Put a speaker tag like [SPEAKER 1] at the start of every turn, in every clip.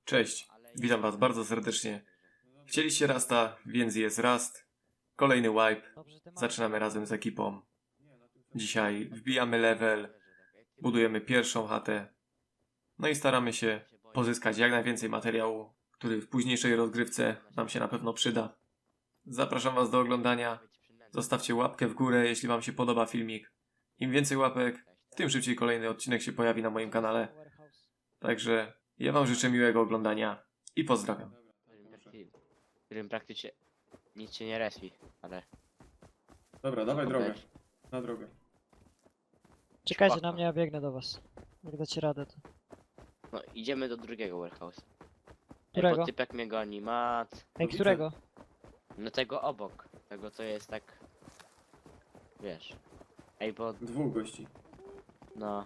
[SPEAKER 1] Cześć, witam was bardzo serdecznie. Chcieliście Rasta, więc jest Rast. Kolejny wipe. Zaczynamy razem z ekipą. Dzisiaj wbijamy level, budujemy pierwszą chatę. No i staramy się pozyskać jak najwięcej materiału, który w późniejszej rozgrywce nam się na pewno przyda. Zapraszam was do oglądania. Zostawcie łapkę w górę, jeśli wam się podoba filmik. Im więcej łapek, tym szybciej kolejny odcinek się pojawi na moim kanale. Także ja wam życzę miłego oglądania i pozdrawiam.
[SPEAKER 2] W którym praktycznie nic się nie respi, ale...
[SPEAKER 1] Dobra, dawaj
[SPEAKER 2] to
[SPEAKER 1] drogę.
[SPEAKER 2] będzie.
[SPEAKER 1] Na drogę.
[SPEAKER 3] Czekajcie
[SPEAKER 2] Spoko.
[SPEAKER 3] na mnie, ja biegnę do was. Jak dacie radę to.
[SPEAKER 2] No, idziemy do drugiego warehouse.
[SPEAKER 3] Którego?
[SPEAKER 2] Bo typek mnie goni, mat.
[SPEAKER 3] Ej,
[SPEAKER 1] widzę.
[SPEAKER 3] którego?
[SPEAKER 2] No tego obok. Tego co jest tak... Wiesz. Ej, bo...
[SPEAKER 1] Dwóch gości.
[SPEAKER 2] No...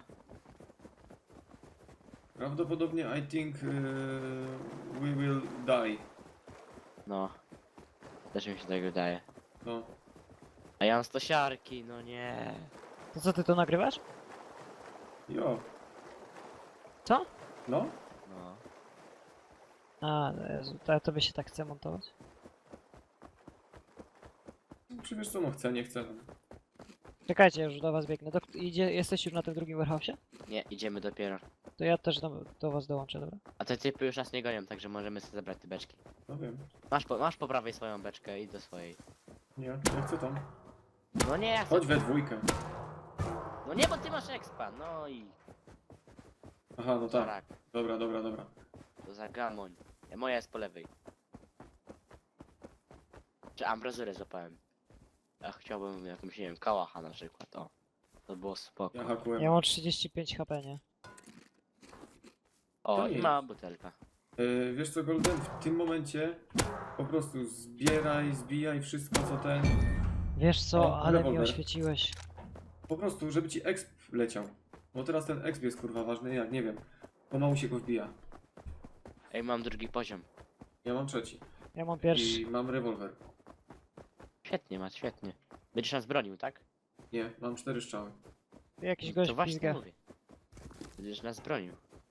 [SPEAKER 1] Prawdopodobnie I think we will die.
[SPEAKER 2] No... Też mi się tak wydaje.
[SPEAKER 1] No.
[SPEAKER 2] A ja mam stosiarki, no nie.
[SPEAKER 3] To co, ty to nagrywasz?
[SPEAKER 1] Jo.
[SPEAKER 3] Co?
[SPEAKER 1] No?
[SPEAKER 2] No...
[SPEAKER 3] A, no Jezu, to tobie się tak chce montować.
[SPEAKER 1] Czy wiesz co, no chcę, nie chcę.
[SPEAKER 3] Czekajcie, ja już do was biegnę. Jesteś już na tym drugim warehouse'ie?
[SPEAKER 2] Nie, idziemy dopiero.
[SPEAKER 3] To ja też do was dołączę, dobra?
[SPEAKER 2] A te typy już nas nie gonią, także możemy sobie zabrać te beczki.
[SPEAKER 1] No wiem.
[SPEAKER 2] Masz po prawej swoją beczkę i do swojej.
[SPEAKER 1] Nie chcę tam.
[SPEAKER 2] No nie, ja chcę.
[SPEAKER 1] Chodź we dwójkę.
[SPEAKER 2] No nie, bo ty masz expa, no i...
[SPEAKER 1] Aha, no tak.
[SPEAKER 2] Tak,
[SPEAKER 1] Dobra.
[SPEAKER 2] to za gamoń. Moja jest po lewej. Czy ambrazurę złapałem? Ja chciałbym jakąś, nie wiem, kałacha na przykład, o. To było spoko.
[SPEAKER 1] Ja hakułem.
[SPEAKER 3] Ja mam 35 HP, nie?
[SPEAKER 2] O,
[SPEAKER 1] To
[SPEAKER 2] i
[SPEAKER 1] nie
[SPEAKER 2] mała butelka.
[SPEAKER 1] Wiesz co, Golden, w tym momencie po prostu zbijaj wszystko co ten.
[SPEAKER 3] Wiesz co,
[SPEAKER 1] O,
[SPEAKER 3] ale mi
[SPEAKER 1] rewolwer.
[SPEAKER 3] oświeciłeś.
[SPEAKER 1] Po prostu, żeby ci exp leciał. Bo teraz ten exp jest kurwa ważny, jak nie wiem. Pomału się go wbija.
[SPEAKER 2] Ej, mam drugi poziom.
[SPEAKER 1] Ja mam trzeci.
[SPEAKER 3] Ja mam pierwszy.
[SPEAKER 1] I mam rewolwer.
[SPEAKER 2] Świetnie, Mat, świetnie. Będziesz nas bronił, tak?
[SPEAKER 1] Nie, mam 4 strzały.
[SPEAKER 3] Jakiś
[SPEAKER 2] To
[SPEAKER 3] gość
[SPEAKER 2] właśnie
[SPEAKER 3] pizga.
[SPEAKER 2] mówię. Będziesz nas bronił.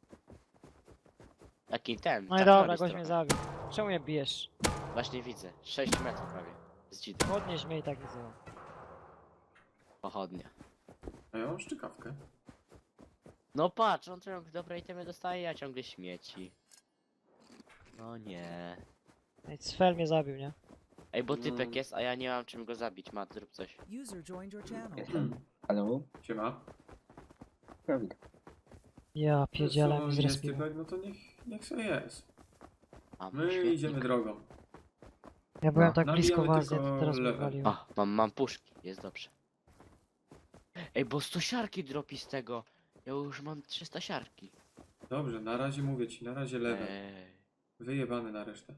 [SPEAKER 2] Taki ten.
[SPEAKER 3] No i
[SPEAKER 2] Chuck
[SPEAKER 3] dobra,
[SPEAKER 2] Norris
[SPEAKER 3] gość
[SPEAKER 2] trochę.
[SPEAKER 3] mnie zabił. Czemu mnie bijesz?
[SPEAKER 2] Właśnie widzę. 6 metrów prawie. Z dzidy.
[SPEAKER 3] Podnieś mnie i tak widzę.
[SPEAKER 2] Pochodnia.
[SPEAKER 1] A ja mam szczykawkę.
[SPEAKER 2] No patrz, on ciągle dobre itemy dostaje, a ciągle śmieci. No nie.
[SPEAKER 3] Ej, Cfel mnie zabił, nie?
[SPEAKER 2] Ej, bo typek
[SPEAKER 1] Mm.
[SPEAKER 2] jest, a ja nie mam czym go zabić. Mat, zrób coś.
[SPEAKER 4] User joined your channel.
[SPEAKER 5] Halo?
[SPEAKER 1] Siema.
[SPEAKER 5] Prawda.
[SPEAKER 3] Ja pierdzielę mi
[SPEAKER 1] jest
[SPEAKER 3] zrespił.
[SPEAKER 1] typek, no to niech sobie jest.
[SPEAKER 2] A,
[SPEAKER 1] My
[SPEAKER 2] świetnik.
[SPEAKER 1] idziemy drogą.
[SPEAKER 3] Ja byłem
[SPEAKER 1] No,
[SPEAKER 3] tak blisko
[SPEAKER 1] nabijamy
[SPEAKER 3] was, ja
[SPEAKER 1] tylko
[SPEAKER 3] teraz mnie
[SPEAKER 1] level.
[SPEAKER 3] waliłem.
[SPEAKER 2] A, mam puszki, jest dobrze. Ej, bo 100 siarki dropi z tego. Ja już mam 300 siarki.
[SPEAKER 1] Dobrze, na razie mówię ci, na razie level.
[SPEAKER 2] Ej.
[SPEAKER 1] Wyjebany na resztę.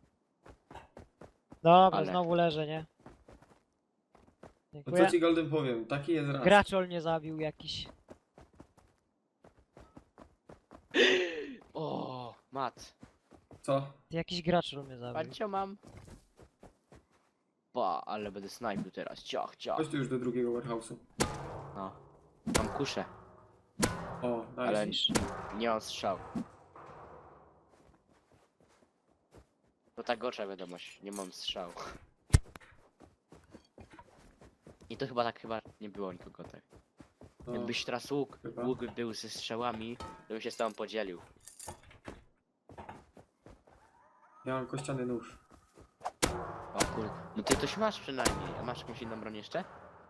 [SPEAKER 3] Dobra,
[SPEAKER 2] Ale-
[SPEAKER 3] znowu leżę, nie?
[SPEAKER 1] No
[SPEAKER 3] Dziękuję.
[SPEAKER 1] co ci Golden powiem, taki jest raz.
[SPEAKER 3] Graczol mnie zabił jakiś.
[SPEAKER 2] O, Mat.
[SPEAKER 1] Co?
[SPEAKER 3] Jakiś graczol mnie zabił.
[SPEAKER 2] Pancio mam. Pa, ale będę snajpił teraz. Ciach, ciach.
[SPEAKER 1] Chodź tu już do drugiego warehouse'u.
[SPEAKER 2] No. Mam kuszę,
[SPEAKER 1] O, nice.
[SPEAKER 2] ale nie mam strzał. To ta gorsza wiadomość, nie mam strzał. I to chyba nie było nikogo tak.
[SPEAKER 1] No,
[SPEAKER 2] Jakbyś teraz
[SPEAKER 1] chyba.
[SPEAKER 2] łuk był ze strzałami, to bym się z tobą podzielił.
[SPEAKER 1] Ja mam kościany nóż.
[SPEAKER 2] O kurde. No ty coś masz przynajmniej, a masz jakąś inną broń jeszcze?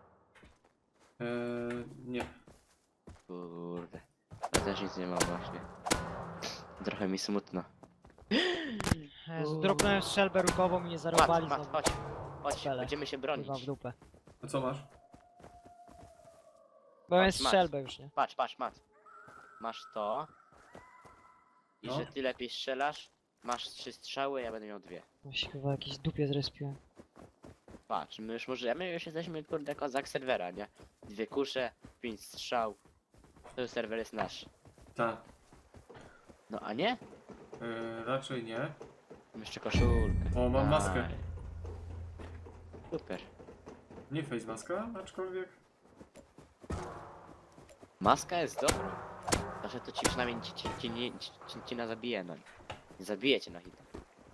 [SPEAKER 1] Nie.
[SPEAKER 2] Kurde. Ja też nic nie mam właśnie. Trochę mi smutno.
[SPEAKER 3] Jezu, dropnąłem strzelbę rukową i mnie zarobali
[SPEAKER 2] Mat,
[SPEAKER 3] znowu.
[SPEAKER 2] chodź. Chodź,
[SPEAKER 3] Spele.
[SPEAKER 2] będziemy się bronić.
[SPEAKER 3] Kurwa w dupę.
[SPEAKER 1] A co masz?
[SPEAKER 3] Bo miałem
[SPEAKER 2] Mat.
[SPEAKER 3] strzelbę już, nie?
[SPEAKER 2] Patrz, Mat. Masz to. I
[SPEAKER 1] No.
[SPEAKER 2] że ty lepiej strzelasz. Masz 3 strzały, ja będę miał 2.
[SPEAKER 3] No się chyba jakiś dupie zrespiłem.
[SPEAKER 2] Patrz, my już możemy, już jesteśmy kurde kozak serwera, nie? 2 kusze, 5 strzał. To serwer jest nasz.
[SPEAKER 1] Tak.
[SPEAKER 2] No a nie?
[SPEAKER 1] Raczej nie.
[SPEAKER 2] Mam jeszcze koszulkę.
[SPEAKER 1] O, mam maskę.
[SPEAKER 2] Daj. Super.
[SPEAKER 1] Nie face maska, aczkolwiek.
[SPEAKER 2] Maska jest dobra. Znaczy to ci przynajmniej ci na zabije, no. Nie zabijecie na hita.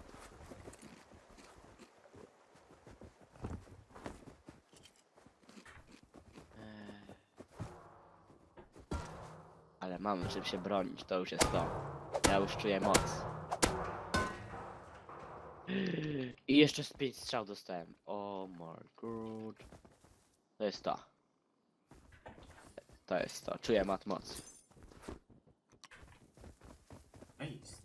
[SPEAKER 2] Ale mamy czym się bronić, to już jest to. Ja już czuję moc. I jeszcze z 5 strzał dostałem. Oh my god. To jest to. To jest to. Czuję mat moc.
[SPEAKER 1] Nice.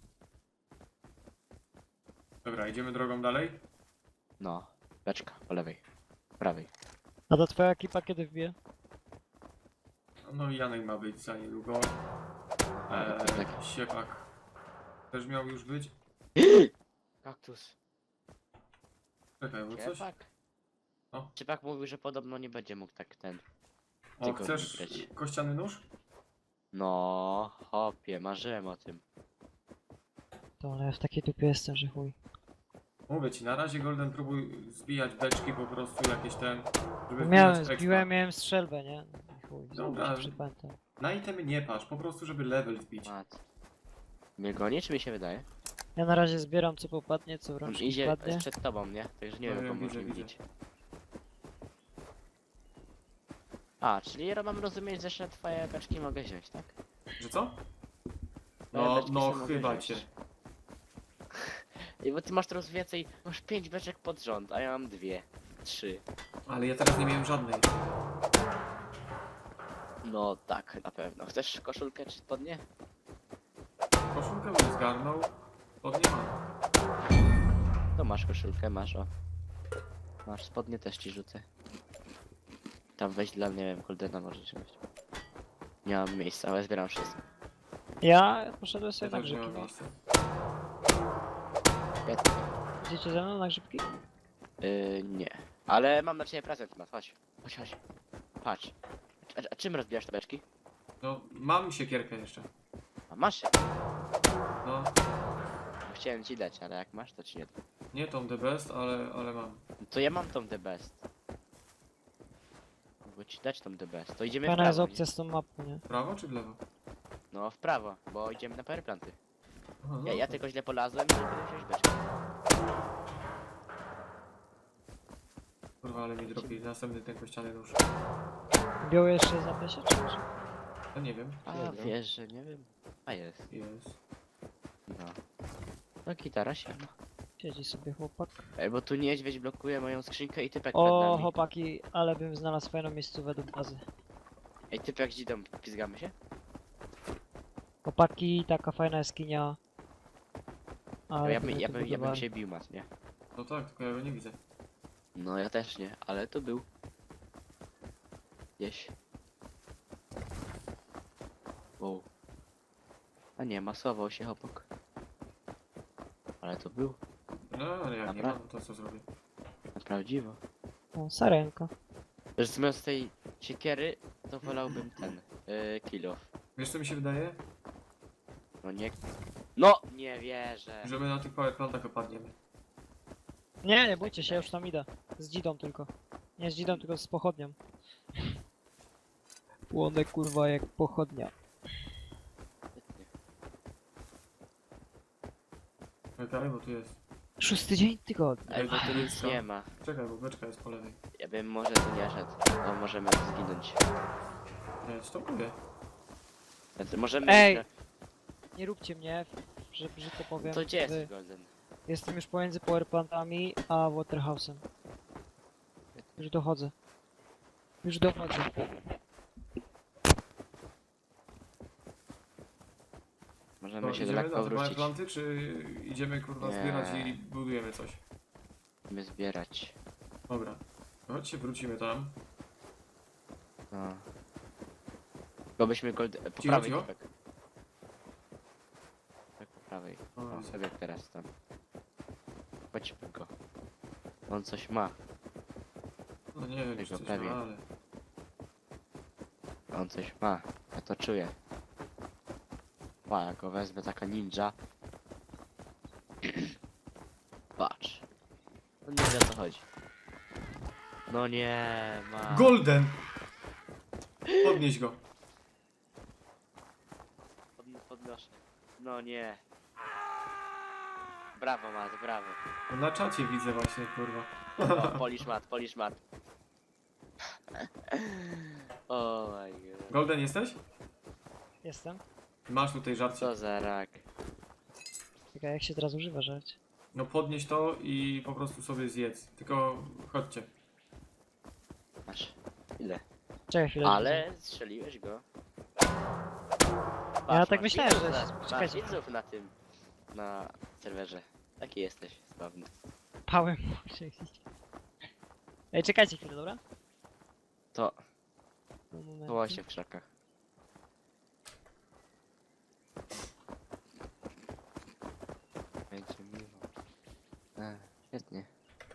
[SPEAKER 1] Dobra, idziemy drogą dalej?
[SPEAKER 2] No. Beczka, po lewej. Prawej.
[SPEAKER 3] A to twoja ekipa kiedy wbije?
[SPEAKER 1] No i Janek ma być za niedługo.
[SPEAKER 2] Tak.
[SPEAKER 1] Siepak też miał już być.
[SPEAKER 2] Kaktus.
[SPEAKER 1] Czekaj, bo coś...
[SPEAKER 2] Ciepak?
[SPEAKER 1] O.
[SPEAKER 2] Ciepak mówił, że podobno nie będzie mógł tak ten.
[SPEAKER 1] O,
[SPEAKER 2] tylko
[SPEAKER 1] chcesz
[SPEAKER 2] wygrać.
[SPEAKER 1] kościany nóż?
[SPEAKER 2] No, hopie, marzyłem o tym.
[SPEAKER 3] To ale ja w takiej dupie jestem, że chuj.
[SPEAKER 1] Mówię ci, na razie Golden próbuj zbijać beczki po prostu jakieś ten, żeby
[SPEAKER 3] Miałem,
[SPEAKER 1] wbijać expa.
[SPEAKER 3] zbiłem, miałem strzelbę, nie? I chuj,
[SPEAKER 1] Dobra.
[SPEAKER 3] znowu się przypętam.
[SPEAKER 1] Na itemy nie patrz, po prostu żeby level wbić.
[SPEAKER 2] Mat. Mnie goni, czy mi się wydaje?
[SPEAKER 3] Ja na razie zbieram co popadnie, co w
[SPEAKER 2] On
[SPEAKER 3] rączki
[SPEAKER 2] idzie
[SPEAKER 3] wpadnie.
[SPEAKER 2] przed tobą, nie? Także nie
[SPEAKER 1] No,
[SPEAKER 2] wiem,
[SPEAKER 1] ja
[SPEAKER 2] komu
[SPEAKER 1] widzę,
[SPEAKER 2] można
[SPEAKER 1] widzę.
[SPEAKER 2] widzieć. A, czyli ja mam rozumieć, że jeszcze twoje beczki mogę wziąć, tak?
[SPEAKER 1] Że co?
[SPEAKER 2] Moje
[SPEAKER 1] No,
[SPEAKER 2] beczki
[SPEAKER 1] no
[SPEAKER 2] sobie mogę
[SPEAKER 1] chyba
[SPEAKER 2] wziąć.
[SPEAKER 1] cię.
[SPEAKER 2] I bo ty masz teraz więcej, masz 5 beczek pod rząd, a ja mam 2, 3.
[SPEAKER 1] Ale ja teraz nie miałem żadnej.
[SPEAKER 2] No tak, na pewno. Chcesz koszulkę czy spodnie?
[SPEAKER 1] Koszulkę bym zgarnął, pod nie mam.
[SPEAKER 2] To masz koszulkę, masz o. Masz spodnie, też ci rzucę. Tam weź dla mnie, nie wiem, Goldena możesz wziąć. Nie mam miejsca, ale zbieram wszystko.
[SPEAKER 3] Ja poszedłem
[SPEAKER 1] Ja
[SPEAKER 3] sobie na
[SPEAKER 1] też nie
[SPEAKER 3] grzybki.
[SPEAKER 1] mam
[SPEAKER 3] No.
[SPEAKER 1] miejsca.
[SPEAKER 3] Idziecie ze mną na grzybki?
[SPEAKER 2] Nie. Ale mam dla ciebie prezent, Mat, chodź. Chodź, chodź. Patrz. A czym rozbijasz te beczki?
[SPEAKER 1] No, mam siekierkę jeszcze.
[SPEAKER 2] A masz się.
[SPEAKER 1] No,
[SPEAKER 2] Chciałem ci dać, ale jak masz, to ci nie dam.
[SPEAKER 1] nie tą the best, ale mam.
[SPEAKER 2] No to ja mam tą the best. Mogę ci dać tą the best. To idziemy w
[SPEAKER 3] Fajna jest
[SPEAKER 2] prawo,
[SPEAKER 3] opcja z tą mapą, nie?
[SPEAKER 1] W prawo czy w lewo?
[SPEAKER 2] nie? No w prawo, bo idziemy na powerplanty.
[SPEAKER 1] Aha, no,
[SPEAKER 2] Ja tylko źle polazłem i nie będę wziąć beczki.
[SPEAKER 1] Kurwa, ale mi dropi następny ten kościany nóż.
[SPEAKER 3] Biały jeszcze jest na plesie, czy może?
[SPEAKER 1] No nie wiem.
[SPEAKER 2] A
[SPEAKER 1] Nie wiem.
[SPEAKER 2] wiesz, że nie wiem. A jest.
[SPEAKER 1] Jest.
[SPEAKER 2] No. No gitara się ma.
[SPEAKER 3] Siedzi sobie chłopak.
[SPEAKER 2] Ej, bo tu niedźwiedź blokuje moją skrzynkę i typek przed
[SPEAKER 3] O,
[SPEAKER 2] nami.
[SPEAKER 3] chłopaki, ale bym znalazł fajną miejscówę do bazy.
[SPEAKER 2] Ej, typek gdzie tam pizgamy się?
[SPEAKER 3] Chłopaki, taka fajna jaskinia.
[SPEAKER 2] No,
[SPEAKER 3] Ale
[SPEAKER 2] ja,
[SPEAKER 3] to
[SPEAKER 2] by,
[SPEAKER 3] my
[SPEAKER 2] ja,
[SPEAKER 3] tu
[SPEAKER 2] by, ja bym
[SPEAKER 3] budowali.
[SPEAKER 2] się bił, Mat, nie?
[SPEAKER 1] No tak, tylko ja go nie widzę.
[SPEAKER 2] No ja też nie, ale to był. Gdzieś. Wow. A nie, masował się chłopak. Ale to był.
[SPEAKER 1] No, ale jak nie
[SPEAKER 2] Dobra.
[SPEAKER 1] ma, no to co zrobię?
[SPEAKER 2] Na prawdziwo.
[SPEAKER 3] O, sarenka.
[SPEAKER 2] Że zamiast tej siekiery, to wolałbym ten. Kill off.
[SPEAKER 1] Wiesz co mi się wydaje?
[SPEAKER 2] No nie. No! Nie wierzę.
[SPEAKER 1] Że my na tych powerplantach opadniemy.
[SPEAKER 3] Nie, nie bójcie się, już tam idę. Z dzidą tylko. Nie z dzidą, tylko z pochodnią. Płonę kurwa jak pochodnia.
[SPEAKER 1] Czekaj, bo tu jest.
[SPEAKER 3] 6 dzień tygodnia.
[SPEAKER 2] Ej, bo tu nic
[SPEAKER 1] Co?
[SPEAKER 2] nie ma.
[SPEAKER 1] Czekaj, bo beczka jest po lewej.
[SPEAKER 2] Ja bym może tu nie szedł. No możemy zginąć.
[SPEAKER 1] Nie, stopuję.
[SPEAKER 2] Więc możemy.
[SPEAKER 3] Ej!
[SPEAKER 2] jeszcze-
[SPEAKER 3] Nie róbcie mnie, że brzydko powiem.
[SPEAKER 2] To gdzie jest
[SPEAKER 3] wy-
[SPEAKER 2] Golden?
[SPEAKER 3] Jestem już pomiędzy powerplantami a waterhouse'em. Już dochodzę. Już dochodzę.
[SPEAKER 2] Możemy
[SPEAKER 1] To
[SPEAKER 2] się
[SPEAKER 1] idziemy
[SPEAKER 2] lekko
[SPEAKER 1] na te
[SPEAKER 2] wrócić.
[SPEAKER 1] powerplanty, czy idziemy kurwa
[SPEAKER 2] Nie.
[SPEAKER 1] zbierać i budujemy coś?
[SPEAKER 2] Musimy zbierać.
[SPEAKER 1] Dobra. Chodźcie, wrócimy tam.
[SPEAKER 2] No. Bo byśmy Golden. Po
[SPEAKER 1] Cicho,
[SPEAKER 2] prawej
[SPEAKER 1] cicho.
[SPEAKER 2] typek. Tak po prawej.
[SPEAKER 1] O,
[SPEAKER 2] O,
[SPEAKER 1] widzę.
[SPEAKER 2] sobie teraz tam. Chodźmy go. On coś ma.
[SPEAKER 1] No nie wiem, czy
[SPEAKER 2] Tego
[SPEAKER 1] coś
[SPEAKER 2] prawie.
[SPEAKER 1] ma, ale...
[SPEAKER 2] On coś ma. Ja to czuję. Pa, ja go wezmę taka ninja. Patrz. No nie wiem o co chodzi. No nie ma.
[SPEAKER 1] Golden! Podnieś go.
[SPEAKER 2] Podnoszę. No nie. brawo Mat, brawo.
[SPEAKER 1] Na czacie widzę właśnie, kurwa.
[SPEAKER 2] O, polisz mat. O my god.
[SPEAKER 1] Golden jesteś?
[SPEAKER 3] Jestem.
[SPEAKER 1] Masz tutaj żarcie.
[SPEAKER 2] Co za rak.
[SPEAKER 3] Czekaj, jak się teraz używa żarcie?
[SPEAKER 1] No podnieś to i po prostu sobie zjedz. Tylko chodźcie.
[SPEAKER 2] Masz. Ile?
[SPEAKER 3] Czekaj chwilę.
[SPEAKER 2] Ale strzeliłeś go.
[SPEAKER 3] Ja
[SPEAKER 2] Patrz,
[SPEAKER 3] tak
[SPEAKER 2] masz
[SPEAKER 3] myślałem,
[SPEAKER 2] widzów
[SPEAKER 3] że-
[SPEAKER 2] masz
[SPEAKER 3] czekajcie.
[SPEAKER 2] widzów na tym. Na serwerze. Taki jesteś, sławny.
[SPEAKER 3] Pałem muszę iść. Ej, czekajcie chwilę, dobra?
[SPEAKER 2] To
[SPEAKER 3] Moment.
[SPEAKER 2] było się w krzakach. Będzie miło. Świetnie.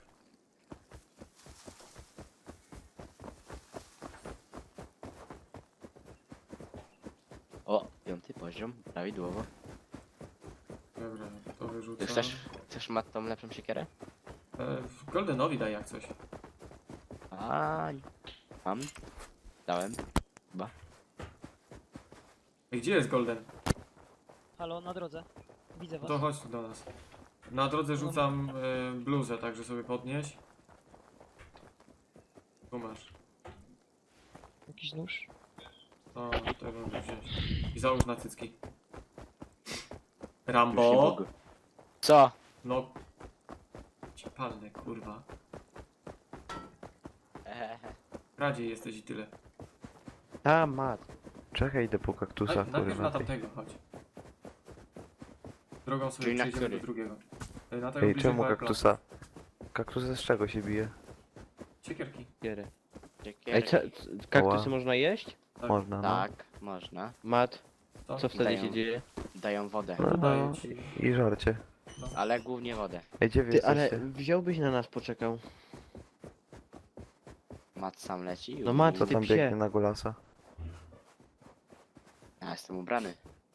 [SPEAKER 2] O, 5. poziom, prawidłowo.
[SPEAKER 1] Dobra, to wyrzucę.
[SPEAKER 2] Chcesz Mat tą lepszą siekierę?
[SPEAKER 1] Goldenowi daj jak coś.
[SPEAKER 2] A, mam. Dałem. Chyba.
[SPEAKER 1] Ej, gdzie jest Golden?
[SPEAKER 3] Halo, na drodze. Widzę was.
[SPEAKER 1] To chodź tu do nas. Na drodze rzucam bluzę, także sobie podnieś. Tu masz.
[SPEAKER 3] Jakiś nóż.
[SPEAKER 1] To tutaj będę wziąć. I załóż na cycki.
[SPEAKER 2] Już nie
[SPEAKER 1] Rambo?
[SPEAKER 2] mogę. Co?
[SPEAKER 1] No. Ci palne, kurwa. Radziej jesteś i tyle.
[SPEAKER 4] A, mat. Czekaj, idę po kaktusa,
[SPEAKER 1] Najpierw na
[SPEAKER 4] kurwa.
[SPEAKER 1] tamtego chodź. Drogą sobie
[SPEAKER 2] Czyli na
[SPEAKER 1] przejdziemy do
[SPEAKER 2] który?
[SPEAKER 1] drugiego. Na tego
[SPEAKER 4] Ej,
[SPEAKER 1] bliżej
[SPEAKER 4] czemu
[SPEAKER 1] Fireplace'a.
[SPEAKER 4] kaktusa? Kaktus z czego się bije?
[SPEAKER 1] Siekierki.
[SPEAKER 4] Ej,
[SPEAKER 6] Kaktusy można jeść?
[SPEAKER 1] Tak.
[SPEAKER 4] Można, no.
[SPEAKER 2] Tak, można.
[SPEAKER 6] Mat,
[SPEAKER 1] To?
[SPEAKER 6] co wtedy
[SPEAKER 2] Dają.
[SPEAKER 6] się dzieje?
[SPEAKER 2] Dają wodę.
[SPEAKER 4] No,
[SPEAKER 1] Daję
[SPEAKER 4] no.
[SPEAKER 1] ci.
[SPEAKER 4] I żarcie.
[SPEAKER 2] Ale głównie wodę.
[SPEAKER 4] Ej, gdzie wy
[SPEAKER 6] Ty, ale
[SPEAKER 4] jesteście?
[SPEAKER 6] wziąłbyś na nas poczekał.
[SPEAKER 2] Mat sam leci.
[SPEAKER 6] No Mat,
[SPEAKER 4] Co
[SPEAKER 6] ty
[SPEAKER 4] tam
[SPEAKER 6] psie.
[SPEAKER 4] biegnie na golasa?
[SPEAKER 2] Ja jestem ubrany.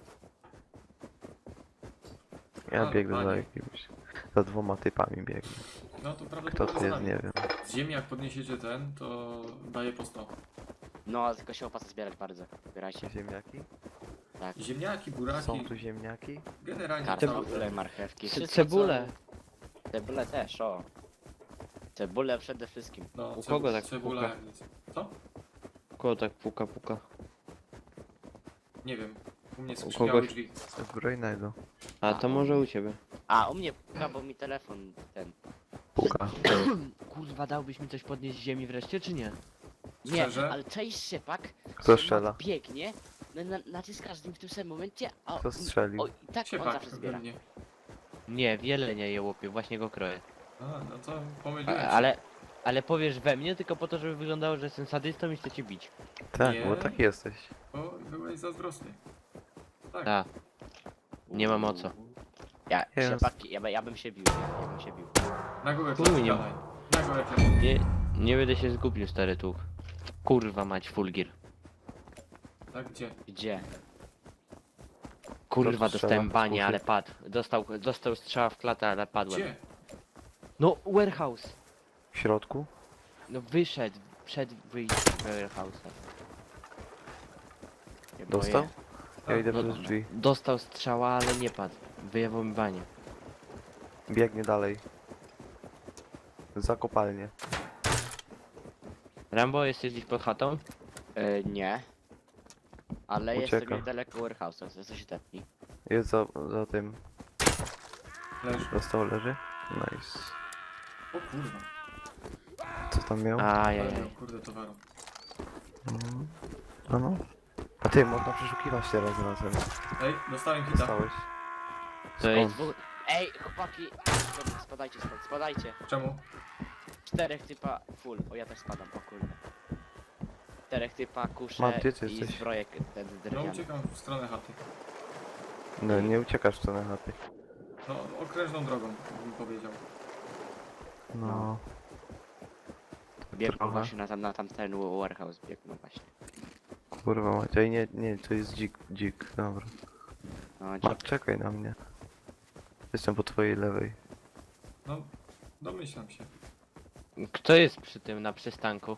[SPEAKER 4] Ja
[SPEAKER 1] Ale
[SPEAKER 4] biegnę za
[SPEAKER 1] panie.
[SPEAKER 4] jakimś... Za 2 typami biegnę.
[SPEAKER 1] No to
[SPEAKER 4] Kto
[SPEAKER 1] prawdopodobnie
[SPEAKER 4] to
[SPEAKER 1] za
[SPEAKER 4] jest,
[SPEAKER 1] nami.
[SPEAKER 4] nie wiem.
[SPEAKER 1] Z ziemi jak podniesiecie ten, to daje po 100.
[SPEAKER 2] No, tylko się opłaca zbierać bardzo. Zbierajcie.
[SPEAKER 4] Ziemniaki?
[SPEAKER 2] Tak.
[SPEAKER 1] Ziemniaki, buraki,
[SPEAKER 4] Są tu ziemniaki?
[SPEAKER 1] generalnie
[SPEAKER 2] Kartofle, marchewki. wszystko,
[SPEAKER 6] Cebulę.
[SPEAKER 2] co- Cebulę też, o. Cebulę przede wszystkim.
[SPEAKER 1] No,
[SPEAKER 6] U kogo tak
[SPEAKER 1] cebula
[SPEAKER 6] puka?
[SPEAKER 1] jak nic. Co?
[SPEAKER 6] Koło tak puka.
[SPEAKER 1] Nie wiem. U mnie
[SPEAKER 6] U
[SPEAKER 1] skrzypiały
[SPEAKER 6] kogoś-
[SPEAKER 1] drzwi.
[SPEAKER 4] Zbrojnego.
[SPEAKER 6] A to może u ciebie.
[SPEAKER 2] A, u mnie puka, bo mi telefon ten.
[SPEAKER 4] Puka.
[SPEAKER 6] Kurwa, dałbyś mi coś podnieść z ziemi wreszcie, czy nie?
[SPEAKER 2] Nie,
[SPEAKER 1] Szczerze?
[SPEAKER 2] ale cześć szepak.
[SPEAKER 4] Kto strzela?
[SPEAKER 2] Biegnie, naciskasz z nim w tym samym momencie, a
[SPEAKER 4] Kto strzelił?
[SPEAKER 2] o, i tak on
[SPEAKER 1] Siepak
[SPEAKER 2] zawsze zbiera.
[SPEAKER 1] pewnie.
[SPEAKER 6] Nie, wiele nie je łopie, właśnie go kroję.
[SPEAKER 1] A, no to pomyliłem się.
[SPEAKER 6] Ale powiesz we mnie tylko po to, żeby wyglądało, że jestem sadystą i chcę cię bić.
[SPEAKER 4] Tak,
[SPEAKER 1] Nie.
[SPEAKER 4] bo taki jesteś.
[SPEAKER 1] Bo byłeś zazdrosny. Tak.
[SPEAKER 6] Tak. Nie mam o co.
[SPEAKER 2] Ja,
[SPEAKER 4] Jest.
[SPEAKER 2] siepak, ja bym się bił, ja bym się bił.
[SPEAKER 1] Na głowę
[SPEAKER 6] Chuj,
[SPEAKER 1] klapy
[SPEAKER 6] nie-
[SPEAKER 1] gadaj. Na głowę klapy.
[SPEAKER 6] Nie będę się zgubił, stary tuch. Kurwa mać, fulgir.
[SPEAKER 1] Tak, gdzie?
[SPEAKER 2] Gdzie?
[SPEAKER 6] Kurwa,
[SPEAKER 4] strzela?
[SPEAKER 6] dostałem banie,
[SPEAKER 4] Kuchy.
[SPEAKER 6] ale padł. Dostał strzała w klatę, ale padłem.
[SPEAKER 1] Gdzie?
[SPEAKER 6] No, warehouse.
[SPEAKER 4] W środku?
[SPEAKER 6] No wyszedł, przed wyjściem warehouse'a.
[SPEAKER 2] Nie
[SPEAKER 4] Dostał?
[SPEAKER 2] boję.
[SPEAKER 4] Ja idę
[SPEAKER 6] No,
[SPEAKER 4] przez drzwi.
[SPEAKER 6] Dostał strzała, ale nie padł. Wyjęło mi banie.
[SPEAKER 4] Biegnie dalej. Za kopalnię.
[SPEAKER 6] Rambo, jesteś gdzieś pod chatą?
[SPEAKER 2] Nie. Ale jest
[SPEAKER 4] Ucieka.
[SPEAKER 2] sobie niedaleko warehouse'a, to coś tepnij.
[SPEAKER 4] Jest za tym.
[SPEAKER 1] Leży.
[SPEAKER 4] Dostał, leży. Nice.
[SPEAKER 1] O kurwa.
[SPEAKER 4] Co tam miał?
[SPEAKER 1] Ale
[SPEAKER 6] Ajajaj.
[SPEAKER 1] miał, kurde towaru.
[SPEAKER 4] Mhm. No. A ty, można przeszukiwać teraz razem.
[SPEAKER 1] Ej, dostałem hita.
[SPEAKER 4] Dostałeś.
[SPEAKER 6] To jest...
[SPEAKER 2] Ej, chłopaki! Spadajcie stąd, spadajcie.
[SPEAKER 1] Czemu?
[SPEAKER 2] 4 typa full, o ja też spadam, o kurde. 4 typa, kusze
[SPEAKER 4] Mam, gdzie ty
[SPEAKER 2] i
[SPEAKER 4] jesteś?
[SPEAKER 2] zbrojek ten
[SPEAKER 1] No
[SPEAKER 2] drewniany.
[SPEAKER 1] uciekam w stronę chaty.
[SPEAKER 4] No, nie uciekasz w stronę chaty.
[SPEAKER 1] No, okrężną drogą, bym powiedział.
[SPEAKER 4] No.
[SPEAKER 2] Biegną
[SPEAKER 4] trochę.
[SPEAKER 2] właśnie na tamten warehouse, biegną właśnie.
[SPEAKER 4] Kurwa Maciej, nie, to jest dzik, dobra.
[SPEAKER 2] No,
[SPEAKER 4] Czekaj na mnie. Jestem po twojej lewej.
[SPEAKER 1] No, domyślam się.
[SPEAKER 6] Kto jest przy tym, na przystanku?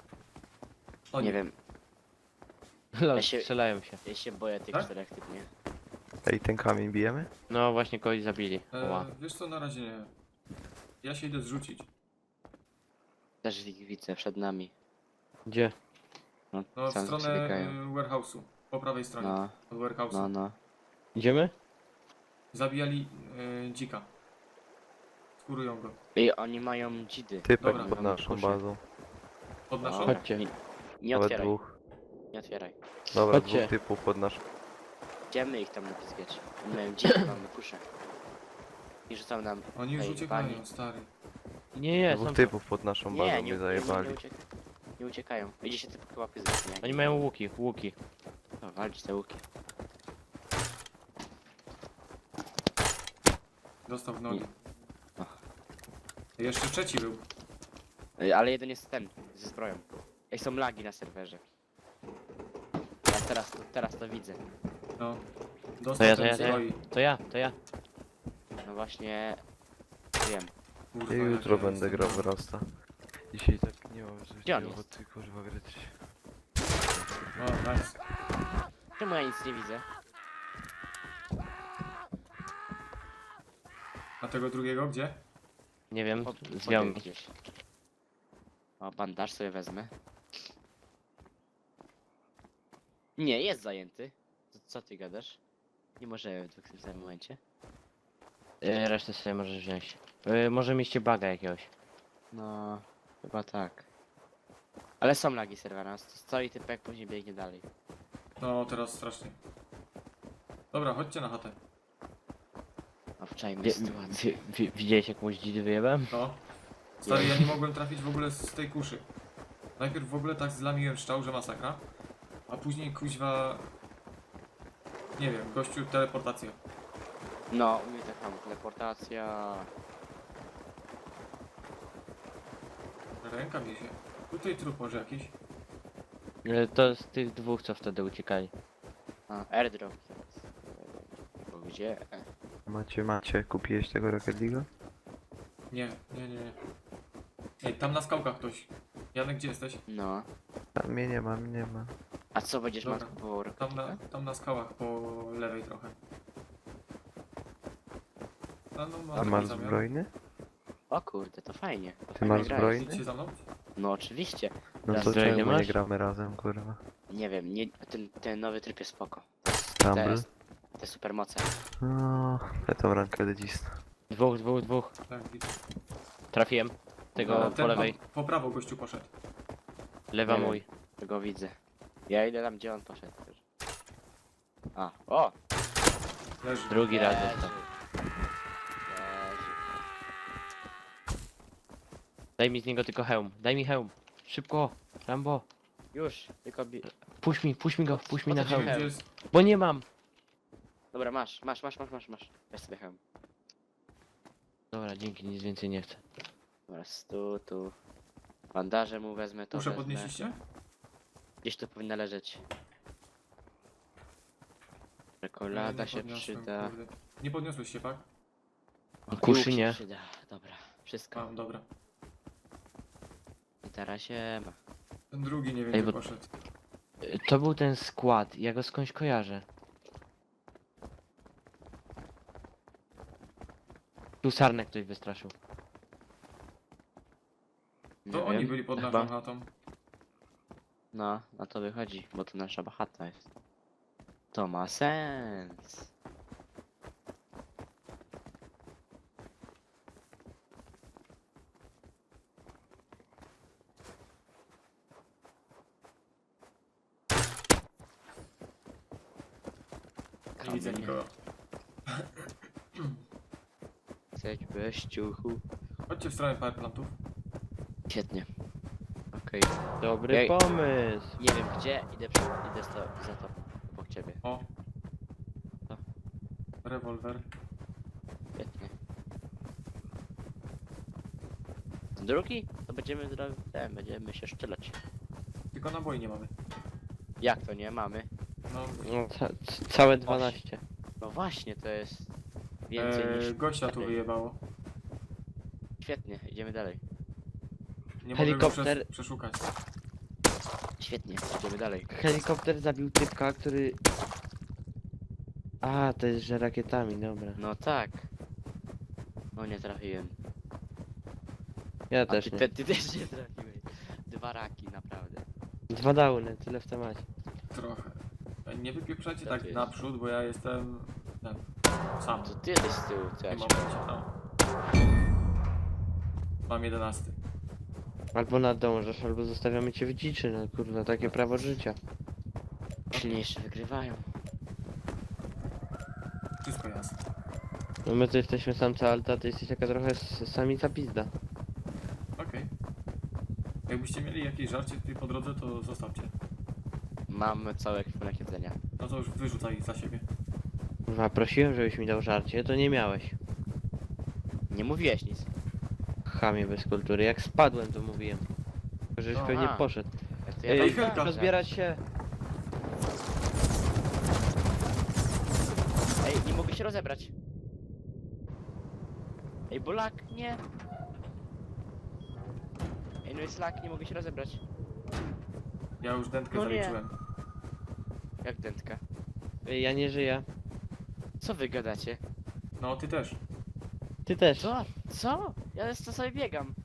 [SPEAKER 1] O
[SPEAKER 2] nie wiem,
[SPEAKER 6] Lol,
[SPEAKER 2] Ja się-
[SPEAKER 6] strzelają się.
[SPEAKER 2] ja się boję tych
[SPEAKER 1] Tak?
[SPEAKER 2] 4 typ, nie?
[SPEAKER 4] Ej, ten kamień bijemy?
[SPEAKER 6] No właśnie kogoś zabili. Ła.
[SPEAKER 1] Wiesz co, na razie nie. Ja się idę zrzucić.
[SPEAKER 2] Też ich widzę przed nami.
[SPEAKER 6] Gdzie?
[SPEAKER 1] No, w
[SPEAKER 2] sam
[SPEAKER 1] stronę
[SPEAKER 2] przebiegają.
[SPEAKER 1] warehouse'u. Po prawej stronie.
[SPEAKER 2] No,
[SPEAKER 1] Od warehouse'u.
[SPEAKER 2] no, no.
[SPEAKER 6] Idziemy?
[SPEAKER 1] Zabijali dzika. Skurują go.
[SPEAKER 2] I oni mają dzidy.
[SPEAKER 4] Typek
[SPEAKER 1] Dobra.
[SPEAKER 4] pod naszą
[SPEAKER 2] Kuszę.
[SPEAKER 4] bazą.
[SPEAKER 1] Pod naszą?
[SPEAKER 2] Dobra,
[SPEAKER 6] Chodźcie.
[SPEAKER 2] Nie
[SPEAKER 4] Nawet
[SPEAKER 2] otwieraj,
[SPEAKER 4] dwóch.
[SPEAKER 2] nie otwieraj.
[SPEAKER 4] Dobra,
[SPEAKER 6] Chodźcie.
[SPEAKER 4] dwóch typów pod naszą.
[SPEAKER 2] Idziemy ich tam napizgać. Oni mają dzidy, mamy kuszę. I rzucą nam...
[SPEAKER 1] Oni już
[SPEAKER 2] Ej,
[SPEAKER 1] uciekają,
[SPEAKER 2] bani.
[SPEAKER 1] stary.
[SPEAKER 6] Nie,
[SPEAKER 4] Dwóch
[SPEAKER 6] są...
[SPEAKER 4] typów pod naszą bazą
[SPEAKER 2] Nie,
[SPEAKER 4] mnie
[SPEAKER 2] nie
[SPEAKER 4] zajebali.
[SPEAKER 2] nie uciekają. Idzie się typ chyba pyzgać, nie?
[SPEAKER 6] Oni mają łuki, łuki.
[SPEAKER 2] No, walczyć te łuki.
[SPEAKER 1] Dostał w nogi.
[SPEAKER 2] Ach.
[SPEAKER 1] Jeszcze trzeci był.
[SPEAKER 2] Ale jeden jest ten, ze zbroją. Ej, są lagi na serwerze. Ja teraz to widzę.
[SPEAKER 1] No.
[SPEAKER 6] To
[SPEAKER 1] Dostał
[SPEAKER 6] ja,
[SPEAKER 1] ten zbroi.
[SPEAKER 6] to ja.
[SPEAKER 2] No właśnie... Wiem.
[SPEAKER 1] Kurwa,
[SPEAKER 4] Ja
[SPEAKER 1] jak
[SPEAKER 4] jutro
[SPEAKER 1] ja
[SPEAKER 4] będę
[SPEAKER 1] jestem
[SPEAKER 4] grał w
[SPEAKER 1] dobry.
[SPEAKER 4] Rasta. Dzisiaj tak nie mam
[SPEAKER 2] Gdzie on
[SPEAKER 4] coś
[SPEAKER 2] jest?
[SPEAKER 4] ochoty kurwa grać.
[SPEAKER 1] O, nice.
[SPEAKER 2] Czemu ja nic nie widzę?
[SPEAKER 1] A tego drugiego gdzie?
[SPEAKER 6] Nie wiem,
[SPEAKER 2] Podbieg
[SPEAKER 6] zwiał mi.
[SPEAKER 2] gdzieś. O, bandaż sobie wezmę. Nie, jest zajęty. Co ty gadasz? Nie możemy w tym momencie.
[SPEAKER 6] Resztę sobie możesz wziąć. Może mieliście baga jakiegoś.
[SPEAKER 2] No, chyba tak. Ale są lagi serwera, stoi typek, później biegnie dalej.
[SPEAKER 1] No, teraz strasznie. Dobra, chodźcie na chatę.
[SPEAKER 2] Obczajmy sytuację.
[SPEAKER 6] Widziałeś jakąś dzidę wyjebem?
[SPEAKER 1] No. Stary, ja nie mogłem trafić w ogóle z tej kuszy. Najpierw w ogóle tak zlamiłem szczał, że masakra. A później kuźwa... Nie wiem, gościu teleportacja.
[SPEAKER 2] No, u mnie tak samo, teleportacja.
[SPEAKER 1] Ręka mi się. Tutaj trup może jakiś.
[SPEAKER 6] To z tych dwóch, co wtedy uciekali.
[SPEAKER 2] A, airdrop. Bo gdzie?
[SPEAKER 4] Macie, kupiłeś tego Rocket League'a?
[SPEAKER 1] Nie. Ej, tam na skałkach ktoś. Janek, gdzie jesteś?
[SPEAKER 2] No.
[SPEAKER 4] Tam mnie nie ma, mnie nie ma.
[SPEAKER 2] A co będziesz
[SPEAKER 1] Dobra.
[SPEAKER 2] matką po
[SPEAKER 1] Tam na skałach po lewej trochę. No,
[SPEAKER 4] A
[SPEAKER 1] taki
[SPEAKER 4] masz
[SPEAKER 1] zamiar.
[SPEAKER 4] zbrojny?
[SPEAKER 2] O kurde, to fajnie. To
[SPEAKER 4] Ty
[SPEAKER 2] fajnie
[SPEAKER 4] masz
[SPEAKER 2] gra
[SPEAKER 4] zbrojny?
[SPEAKER 2] jest.
[SPEAKER 1] Idźcie za mną?
[SPEAKER 2] No oczywiście.
[SPEAKER 4] No
[SPEAKER 2] Teraz
[SPEAKER 4] to
[SPEAKER 6] zbrojny
[SPEAKER 4] czemu nie
[SPEAKER 6] masz?
[SPEAKER 4] gramy razem, kurwa?
[SPEAKER 2] Nie wiem, nie, ten nowy tryb jest spoko.
[SPEAKER 4] Tumble?
[SPEAKER 2] Te supermoce.
[SPEAKER 4] No, ja tam rankę ledista.
[SPEAKER 6] Dwóch.
[SPEAKER 1] Tak, widzę.
[SPEAKER 6] Trafiłem. Tego
[SPEAKER 1] No,
[SPEAKER 6] po
[SPEAKER 1] ten
[SPEAKER 6] lewej.
[SPEAKER 1] Po prawo gościu poszedł.
[SPEAKER 6] Lewa
[SPEAKER 2] Nie
[SPEAKER 6] mój.
[SPEAKER 2] Tego widzę. Ja idę tam, gdzie on poszedł. A, o!
[SPEAKER 1] Leży.
[SPEAKER 6] Drugi raz
[SPEAKER 2] Leży.
[SPEAKER 6] dostał.
[SPEAKER 2] Leży.
[SPEAKER 6] Daj mi z niego tylko hełm. Daj mi hełm. Szybko. Rambo.
[SPEAKER 2] Już, tylko
[SPEAKER 6] Puść mi go, puść mi
[SPEAKER 2] O
[SPEAKER 6] na
[SPEAKER 2] co
[SPEAKER 1] Nie
[SPEAKER 2] ci
[SPEAKER 1] wiem,
[SPEAKER 6] hełm.
[SPEAKER 1] gdzie jest.
[SPEAKER 6] Bo nie mam.
[SPEAKER 2] Dobra, masz. Weź sobie hełm.
[SPEAKER 6] Dobra, dzięki, nic więcej nie chcę.
[SPEAKER 2] Dobra, tu. Bandaże mu wezmę, to
[SPEAKER 1] Muszę
[SPEAKER 2] wezmę.
[SPEAKER 1] podnieśliście?
[SPEAKER 2] Gdzieś tu powinna leżeć.
[SPEAKER 1] Nie,
[SPEAKER 2] Czekolada
[SPEAKER 1] nie
[SPEAKER 2] się
[SPEAKER 1] podniosłem,
[SPEAKER 2] przyda.
[SPEAKER 1] kurde. Nie podniosłeś się, tak?
[SPEAKER 2] O,
[SPEAKER 6] Kuszy
[SPEAKER 2] łuk się
[SPEAKER 6] nie.
[SPEAKER 2] Przyda. Dobra, wszystko.
[SPEAKER 1] Mam, dobra.
[SPEAKER 2] I teraz się ma.
[SPEAKER 1] Ten drugi nie wiem,
[SPEAKER 6] Ej,
[SPEAKER 1] gdzie
[SPEAKER 6] bo-
[SPEAKER 1] poszedł.
[SPEAKER 6] To był ten skład, ja go skądś kojarzę. Tu sarnek ktoś wystraszył.
[SPEAKER 1] To
[SPEAKER 2] Nie
[SPEAKER 1] oni
[SPEAKER 2] wiem,
[SPEAKER 1] byli pod
[SPEAKER 2] chyba.
[SPEAKER 1] naszą chatą.
[SPEAKER 2] No, na to wychodzi, bo to nasza chata jest. To ma sens.
[SPEAKER 1] Nie widzę
[SPEAKER 2] Kamienie.
[SPEAKER 1] nikogo.
[SPEAKER 2] Zejdź bez ciuchu.
[SPEAKER 1] Chodźcie w stronę powerplantów.
[SPEAKER 2] Świetnie. Okej.
[SPEAKER 6] Dobry
[SPEAKER 2] Ej.
[SPEAKER 6] pomysł.
[SPEAKER 2] Nie wiem gdzie, idę za to obok ciebie.
[SPEAKER 1] O.
[SPEAKER 2] Co?
[SPEAKER 1] Rewolwer.
[SPEAKER 2] Świetnie. Drugi? To będziemy się szczelać.
[SPEAKER 1] Tylko naboi nie mamy.
[SPEAKER 2] Jak to nie mamy?
[SPEAKER 1] No,
[SPEAKER 6] No, całe 12.
[SPEAKER 2] No właśnie, to jest więcej niż...
[SPEAKER 1] gościa tu
[SPEAKER 2] wtedy.
[SPEAKER 1] wyjebało.
[SPEAKER 2] Świetnie, idziemy dalej.
[SPEAKER 1] Nie
[SPEAKER 6] Helikopter.
[SPEAKER 1] mogę go przeszukać.
[SPEAKER 2] Świetnie, idziemy dalej.
[SPEAKER 6] Helikopter zabił typka, który... A, to jest, że rakietami, dobra.
[SPEAKER 2] No tak. No nie trafiłem.
[SPEAKER 6] Ja
[SPEAKER 2] A
[SPEAKER 6] też
[SPEAKER 2] ty,
[SPEAKER 6] nie.
[SPEAKER 2] ty też nie trafiłeś. 2 raki, naprawdę.
[SPEAKER 6] 2 downy, tyle w temacie.
[SPEAKER 1] Trochę. Nie wypieprzajcie
[SPEAKER 2] Co
[SPEAKER 1] tak
[SPEAKER 2] to jest?
[SPEAKER 1] naprzód, bo ja jestem... Ten, sam.
[SPEAKER 2] To ty jesteś z tyłu, co ja
[SPEAKER 1] Nie
[SPEAKER 2] ci
[SPEAKER 1] momencie, no. Mam 11.
[SPEAKER 6] Albo nadążasz, albo zostawiamy cię w dziczy, no kurwa, takie prawo życia.
[SPEAKER 2] Silniejsze wygrywają.
[SPEAKER 1] Wszystko jasne.
[SPEAKER 6] No my to jesteśmy samca alta, ty jesteś taka trochę samica pizda.
[SPEAKER 1] Okej. Jakbyście mieli jakieś żarcie tutaj po drodze, to zostawcie.
[SPEAKER 2] Mam cały ekwipunek jedzenia.
[SPEAKER 1] No to już wyrzucaj za siebie.
[SPEAKER 6] Kurwa, prosiłem, żebyś mi dał żarcie, to nie miałeś.
[SPEAKER 2] Nie mówiłeś nic.
[SPEAKER 6] Chamie bez kultury, jak spadłem to mówiłem. Żeś
[SPEAKER 1] No,
[SPEAKER 6] pewnie
[SPEAKER 2] a.
[SPEAKER 6] poszedł.
[SPEAKER 2] To
[SPEAKER 6] Ej,
[SPEAKER 1] Ej,
[SPEAKER 2] tam-
[SPEAKER 1] Helka.
[SPEAKER 6] rozbierać się.
[SPEAKER 2] Ej, nie mogę się rozebrać. Ej, bolak, nie. Ej, no jest lak, nie mogę się rozebrać.
[SPEAKER 1] Ja już dętkę
[SPEAKER 2] No nie.
[SPEAKER 1] zaliczyłem.
[SPEAKER 2] Jak dętka.
[SPEAKER 6] Ej, ja nie żyję.
[SPEAKER 2] Co wy gadacie?
[SPEAKER 1] No, ty też.
[SPEAKER 6] Ty też.
[SPEAKER 2] Co? Co? Ja to sobie biegam.